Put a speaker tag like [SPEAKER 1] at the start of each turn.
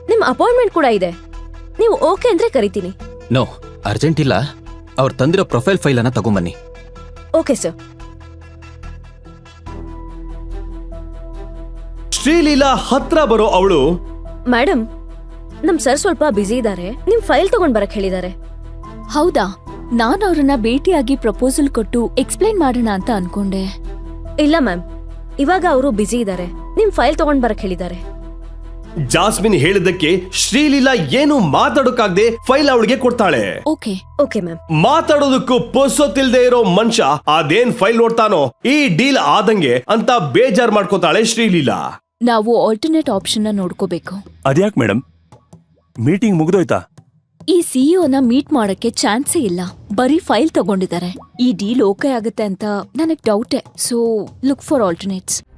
[SPEAKER 1] ನಿಮ್ ಅಪಾಯಿಂಟ್ಮೆಂಟ್ ಕೂಡ ಇದೆ. ನೀವು ಓಕೆ ಅಂದ್ರೆ ಕರಿತೀನಿ.
[SPEAKER 2] ನೋ, ಅರ್ಜೆಂಟ್ ಇಲ್ಲ. ಅವ್ರು ತಂದಿರೋ ಪ್ರೊಫೈಲ್ ಫೈಲ್ ಅನ್ನ ತಗೊಂಬನ್ನಿ.
[SPEAKER 1] Okay sir.
[SPEAKER 3] ಶ್ರೀಲೀಲಾ ಹತ್ರ ಬರೋ ಅವಳು,
[SPEAKER 1] ಮೇಡಮ್, ನಮ್ ಸರ್ ಸ್ವಲ್ಪ ಬ್ಯುಸಿ ಇದ್ದಾರೆ, ನಿಮ್ ಫೈಲ್ ತಗೊಂಡ್ ಬರಕ್ ಹೇಳಿದ್ದಾರೆ.
[SPEAKER 4] ಹೌದಾ? ನಾನು ಅವ್ರನ್ನ ಭೇಟಿಯಾಗಿ ಪ್ರಪೋಸಲ್ ಕೊಟ್ಟು ಎಕ್ಸ್ಪ್ಲೈನ್ ಮಾಡೋಣ ಅಂತ ಅನ್ಕೊಂಡೆ.
[SPEAKER 1] ಇಲ್ಲ ಮ್ಯಾಮ್, ಇವಾಗ ಅವರು ಬ್ಯುಸಿ ಇದ್ದಾರೆ, ನಿಮ್ ಫೈಲ್ ತಗೊಂಡ್ ಬರಕ್ ಹೇಳಿದ್ದಾರೆ.
[SPEAKER 3] ಜಾಸ್ಮಿನ್ ಹೇಳಿದ್ದಕ್ಕೆ ಶ್ರೀಲೀಲಾ ಏನು ಮಾತಾಡೋಕಾಗ್ದೆ ಫೈಲ್ ಅವಳಿಗೆ ಕೊಡ್ತಾಳೆ.
[SPEAKER 4] Okay
[SPEAKER 1] okay ma'am.
[SPEAKER 3] ಮಾತಾಡೋದಕ್ಕೂ ಪೊಸೊತ್ತಿಲ್ದೆ ಇರೋ ಮನುಷ್ಯ ಅದೇನ್ ಫೈಲ್ ನೋಡ್ತಾನೋ ಈ ಡೀಲ್ ಆದಂಗೆ ಅಂತ ಬೇಜಾರ್ ಮಾಡ್ಕೋತಾಳೆ ಶ್ರೀಲೀಲಾ.
[SPEAKER 4] ನಾವು ಆಲ್ಟರ್ನೇಟ್ ಆಪ್ಷನ್ ನೋಡ್ಕೋಬೇಕು.
[SPEAKER 5] ಅದ್ಯಾಕ್ ಮೇಡಮ್, ಮೀಟಿಂಗ್ ಮುಗ್ದೋಯ್ತಾ?
[SPEAKER 4] ಈ ಸಿಇಒನ ಮೀಟ್ ಮಾಡಕ್ಕೆ ಚಾನ್ಸೇ ಇಲ್ಲ, ಬರೀ ಫೈಲ್ ತಗೊಂಡಿದ್ದಾರೆ. ಈ ಡೀಲ್ ಓಕೆ ಆಗುತ್ತೆ ಅಂತ ನನಗ್ ಡೌಟೆ. So look for alternates.